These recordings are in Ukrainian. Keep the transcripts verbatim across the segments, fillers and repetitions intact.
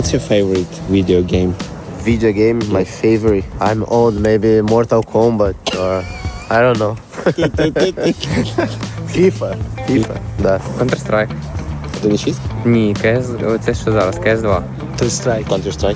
What's your favorite video game? Video game, my favorite. I'm old, maybe Mortal Kombat or I don't know. FIFA. FIFA, да. Counter-Strike. один шість? Ні, КС, оце що зараз, кес два. Counter-Strike. Counter-Strike.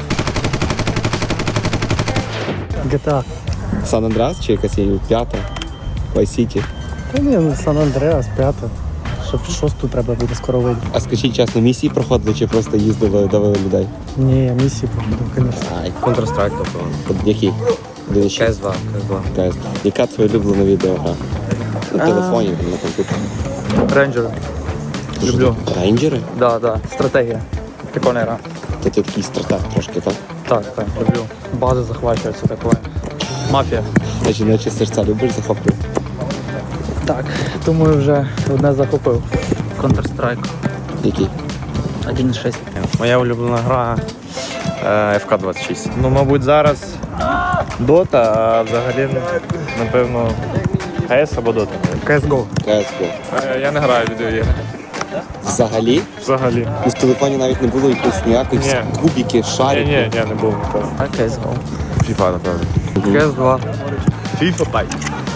джі ті ей. San Andreas чи якась є п'ята? Vice City. Та ні, ну Сан Андреас, п'ята. Щоб шосту треба буде скоро вийти. А скажіть чесно, місії проходили чи просто їздили, давили людей? Ні, місії проходив, звісно. Ай, Counter-Strike, тобто. який? один шість. кес два, кес два. Кайс. Яка твоя улюблена відеогра? На телефоні, на комп'ютері. Рейнджери. Люблю. Рейнджери? Да, да. Стратегія. Прикольна гра. Та ти такий стратег трошки, так? Так, так, люблю. Бази захвачуються такое. Мафія. Значить, наче серця любиш захоплювати? Так, думаю, вже одне захопив. Counter-Strike. Який? один шість. Моя улюблена гра е, еф ка двадцять шість. Ну, мабуть, зараз Dota, а взагалі, напевно, КС або Dota. кес го. кс го. Я не граю в відеоігри. Взагалі? Взагалі. І в телефоні навіть не було якихось ніяких Ні. кубики, Ні, шарики. ні, ні, не було ніколи. А кес го. FIFA, напевно. кес два. FIFA, бай.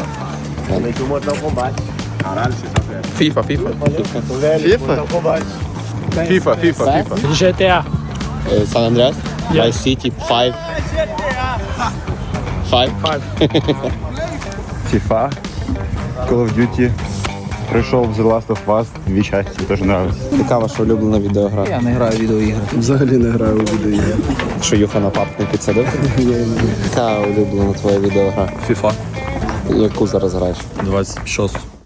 FIFA, FIFA. FIFA? FIFA, FIFA, FIFA. джі ті ей. Е, San Andreas? Vice City, Five. Five? FIFA, Call of Duty. Прийшов The Last of Us, дві частини, теж нравиться. Яка ваша улюблена відеогра? Я не граю в відеоігри. Взагалі не граю у відеоігри. Що Юха на пап не підсадив? Яка улюблена твоя відеогра? FIFA. Яку зараз граєш? двадцять шість.